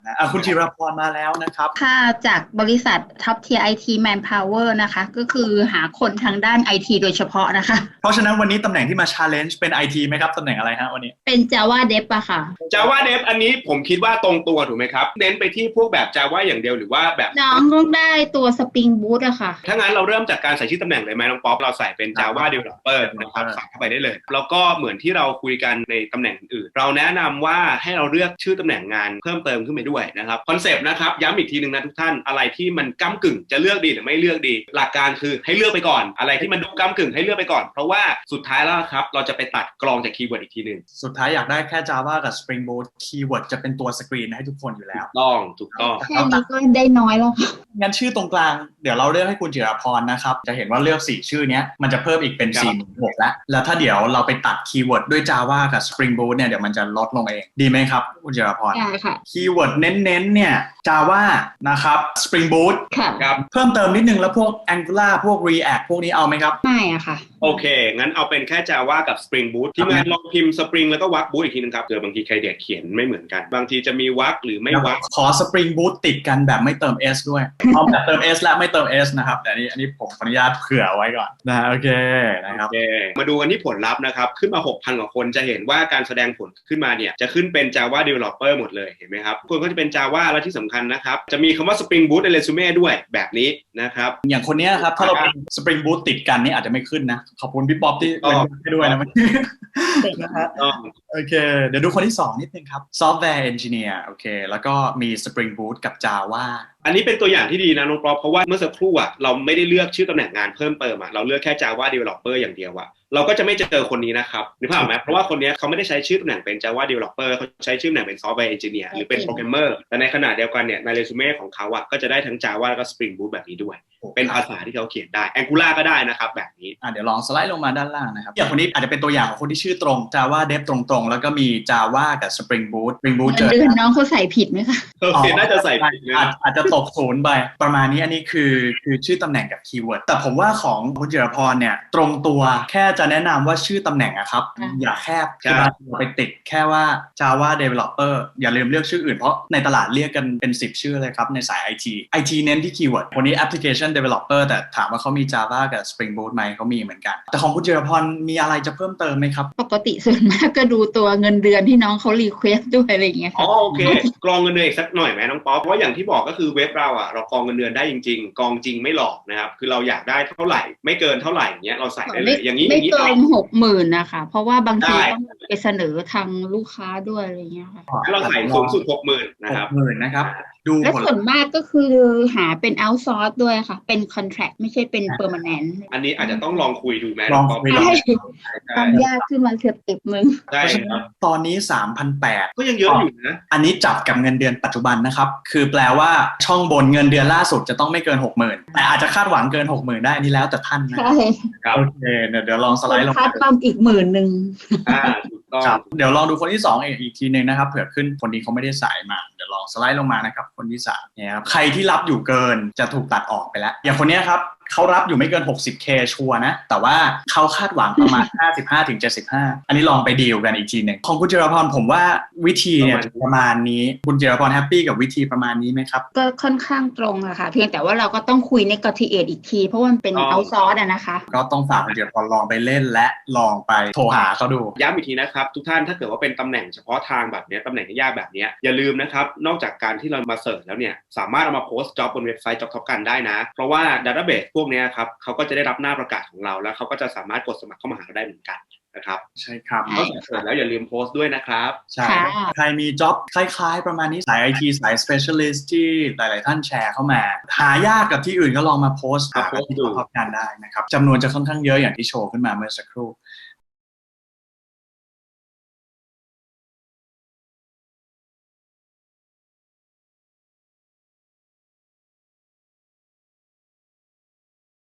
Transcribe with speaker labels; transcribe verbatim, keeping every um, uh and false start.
Speaker 1: นะอ่ะคุณจิรพรมาแล้วนะครับ
Speaker 2: ค่ะจากบริษัท Top Tier ไอ ที Manpower นะคะก็คือหาคนทางด้าน ไอ ที โดยเฉพาะนะคะ
Speaker 1: เพราะฉะนั้นวันนี้ตำแหน่งที่มา challenge เป็น ไอ ที ไหมครับตำแหน่งอะไรฮะวันนี้
Speaker 2: เป็น Java Dev อะค่ะ
Speaker 3: Java Dev อันนี้ผมคิดว่าตรงตัวถูกไหมครับเน้นไปที่พวกแบบ Java อย่างเดียวหรือว่าแบบ
Speaker 2: น้องต้องได้ตัว Spring Boot อะค่ะ
Speaker 3: ถ้างั้นเราเริ่มจากการใส่ชื่อตำแหน่งเลยไหมน้องป๊อปเราใส่เป็น Java Developer นะครับใส่เข้าไปได้เลยแล้วก็เหมือนที่เราคุยกันในตำแหน่งอื่นเราแนะนำว่าให้เราเลือกชื่อตำแหน่งงานเพิ่มเติมขึ้นไปด้วยนะครับคอนเซปต์นะครับย้ำอีกทีนึงนะทุกท่านอะไรที่มันก้ำกึ่งจะเลือกดีหรือไม่เลือกดีหลักการคือให้เลือกไปก่อนอะไรที่มันดูก้ำกึ่งให้เลือกไปก่อนเพราะว่าสุดท้ายแล้วครับเราจะไปตัดกรองจากคีย์เวิร์ดอีกทีนึง
Speaker 1: สุดท้ายอยากได้แค่ Java กับ Spring Boot คีย์เวิร์ดจะเป็นตัวสกรีนให้ทุกคนอยู่แล้ว
Speaker 3: ถูกต้องถูกต้อง
Speaker 2: แค่นี้ก็ได้น้อยแล้วค่ะ
Speaker 1: งั้นชื่อตรงกลางเดี๋ยวเราเลือกให้คุณจิรพรนะครับจะเห็นว่าเลือกสี่ชื่อนี้มันจะเพิ่มอีกเป็น สี่หมื่นหกพัน แล้วแล้วถ้าเดี๋ยวเราไปตัดคีย์เวิร์ดด้วย Java กับ Spring Boot เนี่ยเดี๋ยวมันจะลดลงเองดีไหมครับคุณจิรพร
Speaker 2: ได้ค่ะ
Speaker 1: คีย์เวิร์ดเน้นๆเนี่ย Java นะครับ Spring Boot
Speaker 2: ค่ะ
Speaker 3: ครับ
Speaker 1: เพิ่มเติมนิดนึงแล้วพวก Angular พวก React พวกนี้เอาไหมครับ
Speaker 2: ไม่อะค่ะ
Speaker 3: โอเคงั้นเอาเป็นแค่ Java กับ Spring Boot ที่งานลองพิมพ์ Spring แล้วก็วรรค Boot อีกทีนึงครับเผื่อบางทีใครเด็กเขียนไม่เหมือนกันบางทีจะมีวรรคหรือไม่วรรค
Speaker 1: ขอ Spring Boot ติดกันแบบไม่เติม S ด้วยเอาแบบเติม S และไม่เติม S นะครับแต่อันนี้อันนี้ผมขออนุญาตเผื่อไว้ก่อนนะโอเคนะครับ
Speaker 3: โอเคมาดูกันที่ผลลัพธ์นะครับขึ้นมา หกพัน กว่าคนจะเห็นว่าการแสดงผลขึ้นมาเนี่ยจะขึ้นเป็น Java Developer หมดเลยเห็นไหมครับคนก็จะเป็น Java และที่สำคัญนะครับจะมีคำว่า Spring Boot ในเรซูเม่ด้วยแบบนี้นะครับ
Speaker 1: อย่างคนนี้ครับถ้าเราเป็น Spring Boot ติดกันนี่อาจจะไม่ขึ้นนะขอบคุณพี่ป๊อปที่เป็นให้ด้วยนะติดนะครับโอเคเดี๋ยวดูคนที่สองนิดนึงครับ Software Engineer โอเคแล้วก็มี Spring Boot กับ Java
Speaker 3: อันนี้เป็นตัวอย่างที่ดีนะน้องป๊อปเพราะว่าเมื่อสักครู่อ่ะเราไม่ได้เลือกชื่อตำแหน่งงานเพิ่มเติมอ่ะเราเลือกแค่ Java Developer อย่างเดียวอ่ะเราก็จะไม่เจอคนนี้นะครับนึกภาพไหมเพราะว่าคนนี้เขาไม่ได้ใช้ชื่อตำแหน่งเป็น Java Developer เขาใช้ชื่อตำแหน่งเป็น Software Engineer หรือเป็น Programmer แต่ในขณะเดียวกันเนี่ยในเรซูเม่ของเขาอ่ะก็จะได้ทั้ง Java แล้วก็ Spring Boot แบบนี้ด้วยเป็นภาษาที่เขาเขียนได้ Angular ก็ได้นะครับแบบนี้
Speaker 1: อ่ะเดี๋ยวลองสไลด์ลงมาด้านล่างนะครับอย่างคนนี้อาจจะเป็นตัวอย่างของคนที่ชื่อตรง Java Dev ตรงๆแล้วก็มี Java กับ Spring Boot Spring Boot
Speaker 2: เจอเดือนน้องเขาใส่ผิดไหมคะ
Speaker 3: โอเคน่าจะใส่ผิด
Speaker 1: อาจอาจจะตกศูนย์ไปประมาณนี้อันนี้คือคือชื่อตำแหน่งกับคีย์เวิร์ดแต่ผมว่าของคุณจิรพรเนี่ยตรงตัวแค่จะแนะนำว่าชื่อตำแหน่งอะครับอย่าแคบคือบางทีไปติดแค่ว่า Java Developer อย่าลืมเลือกชื่ออื่นเพราะในตลาดเรียกกันเป็นสิบชื่อเลยครับในสาย ไอ ที ไอ ที เน้นที่คีย์เวิร์ดคนนี้ Application Developer แต่ถามว่าเขามี Java กับ Spring Boot ไหมเขามีเหมือนกันแต่ของคุณจิรพรมีอะไรจะเพิ่มเติมไหมครับ
Speaker 2: ปกติส่วนมากก็ดูตัวเงินเดือนที่น้องเขารีเควสด้วยอะไรอย่างเงี้ย
Speaker 3: อ๋อโอเคกรองเงินเดือนอีกสักหน่อยไหมน้องป๊อปเพราะอย่างที่บอกก็คือเว็บเราอ่ะเรากรองเงินเดือนได้จริงๆกรองจริงไม่หลอกนะครับคือเราอยากได้เท่าไหร่ไม่เกินเท่าไหร่เงี้ยเราใส่ได้เลยอย่างนี้
Speaker 2: ไม่เกินหกหมื่นนะคะเพราะว่าบางทีต้องไปเสนอทางลูกค้าด้วยอะไรเงี้ยค่ะ
Speaker 3: เราใส่สูงสุดหกหมื่นนะครับ
Speaker 1: หกหมื่นนะครับ
Speaker 2: ดูและส่วนมากก็คือหาเป็น outsource ด้วยค่ะเป็น contract ไม่ใช่เป็น permanent
Speaker 3: อันนี้อาจจะต้องลองคุยดูไหม
Speaker 1: ลองคุย
Speaker 2: ต้องยากขึ้นมาเกือบติดมึง
Speaker 3: ใช่ครับ
Speaker 1: ตอนนี้ สามพันแปดร้อย
Speaker 3: ก็ยังเยอะอยู่นะ
Speaker 1: อันนี้จับกับเงินเดือนปัจจุบันนะครับคือแปลว่าช่องบนเงินเดือนล่าสุดจะต้องไม่เกิน หกหมื่น แต่อาจจะคาดหวังเกิน หกหมื่น ได้นี่แล้วแต่ท่านนะโอเคเดี๋ยวเดี๋ยวลองสไลด์ลง
Speaker 2: คาดปั๊มอีกหมื่นนึง
Speaker 3: อ่าถูกต้อง
Speaker 1: เดี๋ยวลองดูคนที่สองอีกอีกทีนึงนะครับเผื่อขึ้นคนนี้เขาไม่ได้สายมาเดี๋ยวลองสไลด์ลงมานะครับคนที่สามเนี่ยครับใครที่รับอยู่เกินจะถูกตัดออกไปแล้วอย่างคนนี้ครับเขารับอยู่ไม่เกิน หกสิบเค ชัวร์นะแต่ว่าเขาคาดหวังประมาณ ห้าสิบห้าถึงเจ็ดสิบห้า อันนี้ลองไปดีลกันอีกทีนึงของคุณจิรพรผมว่าวิธีเนี่ยประมาณนี้คุณจิรพรแฮปปี้กับวิธีประมาณนี้ไหมครับ
Speaker 2: ก็ค่อนข้างตรงอะค่ะเพียงแต่ว่าเราก็ต้องคุยในกติเอทอีกทีเพราะว่ามันเป็นเอาซอร์สอะนะคะ
Speaker 1: ก็ต้องฝากคุณจิรพรลองไปเล่นและลองไปโทรหาเขาดู
Speaker 3: ย้ำอีกทีนะครับทุกท่านถ้าเกิดว่าเป็นตำแหน่งเฉพาะทางแบบนี้ตำแหน่งยากแบบนี้อย่าลืมนะครับนอกจากการที่เรามาเสิร์ชแล้วเนี่ยสามารถเอามาโพสต์จ็อบบนเว็บไซต์ Job Top กันได้นะเพราะว่า Database พวกนี้ครับเขาก็จะได้รับหน้าประกาศของเราแล้วเขาก็จะสามารถกดสมัครเข้ามาหาเราได้เหมือนกันนะครับ
Speaker 1: ใช่ครับ
Speaker 3: ก็เสิร์ชแล้วอย่าลืมโพสต์ด้วยนะครับ
Speaker 1: ใช่ใครมีจ็อบคล้ายๆประมาณนี้สาย ไอ ที สาย Specialist ที่หลายๆท่านแชร์เข้ามาหายากกับที่อื่นก็ลองมาโพสต์หาที่ท็อปกันได้นะครับจำนวนจะค่อนข้างเยอะอย่างที่โชว์ขึ้นมาเมื่อสักครู่